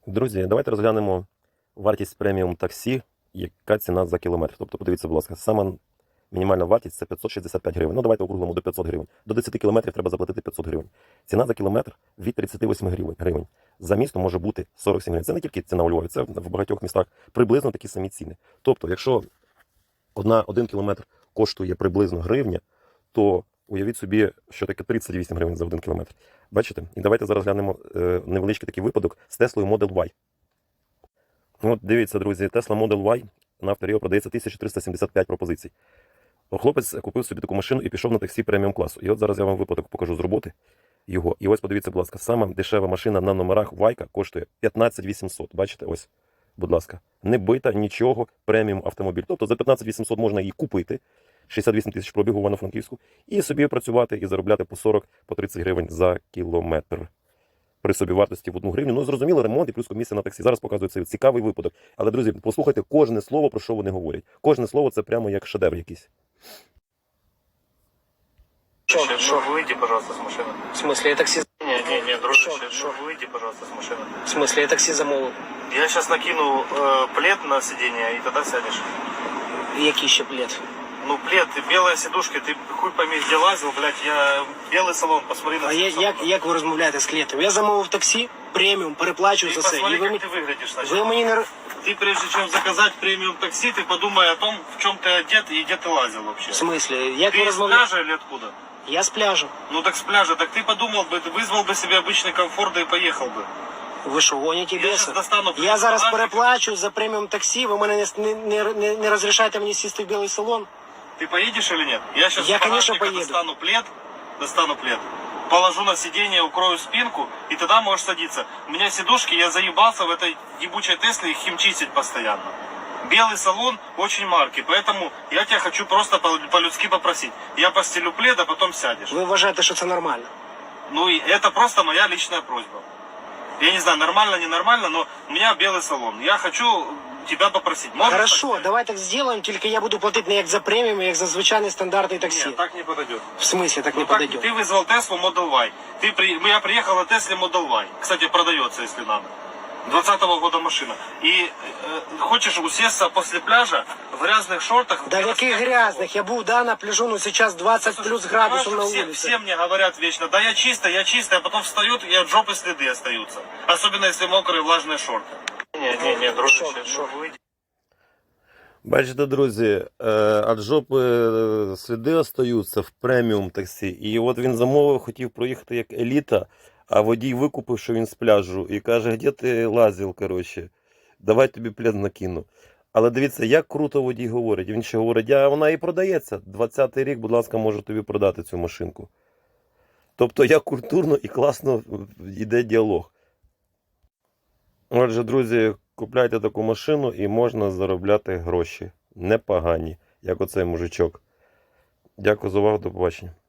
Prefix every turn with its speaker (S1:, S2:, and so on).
S1: Друзі, давайте розглянемо вартість преміум таксі, яка ціна за кілометр. Тобто, подивіться, будь ласка, сама мінімальна вартість – це 565 гривень. Ну, давайте округлимо до 500 гривень. До 10 кілометрів треба заплатити 500 гривень. Ціна за кілометр від 38 гривень. За місто може бути 47 гривень. Це не тільки ціна у Львові, це в багатьох містах приблизно такі самі ціни. Тобто, якщо один кілометр коштує приблизно гривня, то уявіть собі, що таке 38 гривень за 1 кілометр. Бачите? І давайте зараз глянемо невеличкий такий випадок з Теслою Model Y. От дивіться, друзі, Tesla Model Y на Авторіо продається 1375 пропозицій. Хлопець купив собі таку машину і пішов на таксі преміум класу. І от зараз я вам випадок покажу з роботи його. І ось подивіться, будь ласка, сама дешева машина на номерах Вайка коштує 15 800. Бачите, ось, будь ласка, не бита нічого, преміум автомобіль. Тобто за 15 800 можна її купити, 68 тисяч пробігу в Івано-Франківську, і собі працювати і заробляти по 40-30 гривень за кілометр. При собі вартості в 1 гривню. Ну, зрозуміло, ремонт і плюс комісія на таксі. Зараз показую цей цікавий випадок. Але, друзі, послухайте кожне слово, про що вони говорять. Кожне слово – це прямо як шедевр якийсь.
S2: Шо? Выйди, пожалуйста, с машины.
S3: В смысле, я такси...
S2: Не, дружище,
S3: Шо?
S2: выйди, пожалуйста, с машины.
S3: В смысле, я такси замовив.
S2: Я сейчас накину плед на сиденье, и тогда сядешь.
S3: Який ще плед?
S2: Ну, плед, ты белая сидушка, ты хуй пойми, где лазил, блядь, я белый салон, посмотри на
S3: А
S2: салон.
S3: як ви розмовляєте з клієнтом? Я замовив таксі, преміум, переплачую
S2: Ты
S3: за це.
S2: посмотри,
S3: І ви,
S2: как ты выглядишь, значит.
S3: ви мені не...
S2: Ты, прежде чем заказать премиум такси, ты подумай о том, в чем ты одет и где ты лазил вообще.
S3: В смислі, як
S2: Ты
S3: ви
S2: из
S3: розмовляєте?
S2: пляжа или откуда?
S3: Я з пляжу.
S2: Ну так с пляжа, так ты подумал бы, ты вызвал бы себе обычный комфорт, да и поехал бы.
S3: Ви що, гоніте
S2: Я
S3: беса?
S2: щас достану
S3: Я зараз
S2: багажник.
S3: переплачу за преміум таксі, ви мене не розрішаєте мені сісти в білий салон?
S2: Ты поедешь или нет? Я сейчас
S3: Я,
S2: с
S3: конечно,
S2: багажника
S3: поеду.
S2: достану плед, положу на сиденье, укрою спинку, и тогда можешь садиться. У меня сидушки, я заебался в этой ебучей Тесле их химчистить постоянно. Белый салон очень марки, поэтому я тебя хочу просто по-людски попросить. Я постелю плед, а потом сядешь.
S3: Ви вважаєте, що це нормально?
S2: Ну и это просто моя личная просьба. Я не знаю, нормально, ненормально, но у меня белый салон. Я хочу тебя попросить. Можешь
S3: Хорошо,
S2: так?
S3: давай так зробимо, тільки я буду платити не як за преміум, а як за звичайний стандартний таксі.
S2: Нет, так не подойдет.
S3: В смысле так
S2: Ну
S3: не
S2: как,
S3: подойдет?
S2: ты вызвал Теслу Model Y. Я приехал на Тесле Model Y. Кстати, продается, если надо. 20-го года машина. И хочешь усесться после пляжа в грязных шортах?
S3: Да в яких грязных? Я був, да, на пляжу, ну сейчас 20 плюс градусов на
S2: все,
S3: улице.
S2: все мне говорят вечно, да я чистая, а потом встают и от жопы следы остаются. Особенно если мокрые влажные шорты. Не, дружище,
S3: Шо?
S2: выйди.
S1: Бачите, друзі, від жопи сліди остаються в преміум таксі. І от він замовив, хотів проїхати як еліта, а водій викупив, що він з пляжу. І каже, де ти лазив, коротше, давай тобі плед накину. Але дивіться, як круто водій говорить. Він ще говорить, вона і продається. 20-й рік, будь ласка, можу тобі продати цю машинку. Тобто, як культурно і класно йде діалог. Отже, друзі, купляйте таку машину і можна заробляти гроші. Непогані, як оцей мужичок. Дякую за увагу, до побачення.